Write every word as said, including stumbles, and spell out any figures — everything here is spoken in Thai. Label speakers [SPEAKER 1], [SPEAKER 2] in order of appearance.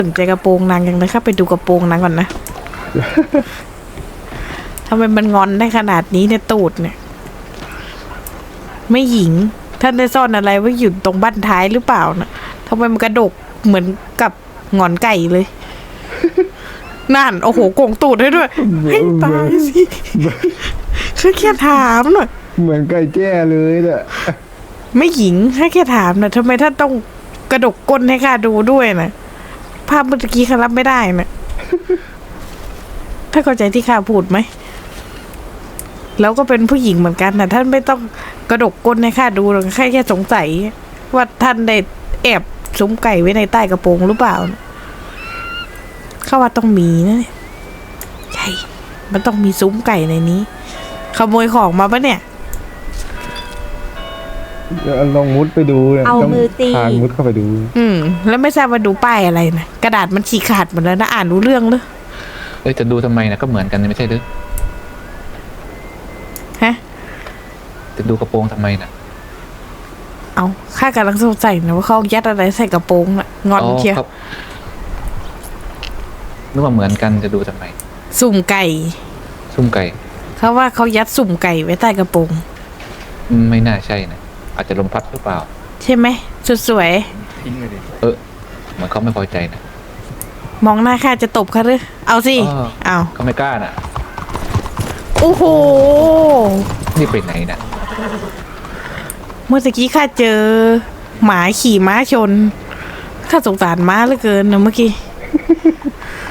[SPEAKER 1] สนใจกระโปรงนางยังนะครับไปดูกระโปรงนางก่อนนะ ทำไมมันงอนได้ขนาดนี้เนี่ยตูดเนี่ยไม่หญิงท่านได้ซ่อนอะไรไว้อยู่ตรงบั้นท้ายหรือเปล่านะทำไมมันกระดกเหมือนกับงอนไก่เลย นั่นโอ้โหโกงตูดให้ด้วยให้ตายสิคือแค่ถามหน่อย
[SPEAKER 2] เหมือนไก่แจ้เลยน่ะ
[SPEAKER 1] ไม่หญิงให้แค่ถามนะทำไมท่านต้องกระดกก้นให้ข้าดูด้วยนะภาพเมื่อกี้ข้ารับไม่ได้นะถ้าเข้าใจที่ข้าพูดไหมแล้วก็เป็นผู้หญิงเหมือนกันนะท่านไม่ต้องกระดกก้นให้ข้าดูหรอกแค่แค่สงสัยว่าท่านได้แอบซุ้มไก่ไว้ในใต้กระโปรงหรือเปล่าข้าว่าต้องมีนะเนี่ยใช่มันต้องมีซุ้มไก่ในนี้ขโมยของมาปะเนี่ย
[SPEAKER 2] ลองมุดไปดู
[SPEAKER 3] เอามือตี
[SPEAKER 2] ทางมุดเข้าไปดู
[SPEAKER 1] อืมแล้วไม่ทราบว่าดูป้ายอะไรนะกระดาษมันฉีกขาดหมดแล้วนะอ่านรู้เรื่องเลย
[SPEAKER 4] เอ้ยจะดูทำไมนะก็เหมือนกันไม่ใช่หรือ
[SPEAKER 1] ฮะ
[SPEAKER 4] จะดูกระโปรงทำไมนะ
[SPEAKER 1] เอาข้ากำลังสงสัยนะว่าเขายัดอะไรใส่กระโปรงอะงอนเชียว
[SPEAKER 4] นึกว่าเหมือนกันจะดูทำไม
[SPEAKER 1] สุ่มไก่
[SPEAKER 4] สุ่มไก่
[SPEAKER 1] เขาว่าเขายัดสุ่มไก่ไว้ใต้กระโปรง
[SPEAKER 4] ไม่น่าใช่นะอาจจะลมพัดหรือเปล่า
[SPEAKER 1] ใช่ไหมสุดสวย
[SPEAKER 4] เออเหมือนเขาไม่พอใจนะ
[SPEAKER 1] มองหน้าข้าจะตบเขาหรือเอาสิเอา
[SPEAKER 4] เขาไม่กล้าน่ะ
[SPEAKER 1] โอ้โห
[SPEAKER 4] นี่ไปไหนนะ
[SPEAKER 1] เมื่อกี้ข้าเจอหมาขี่ม้าชนข้าสงสารม้าเหลือเกินนะเมื่อกี้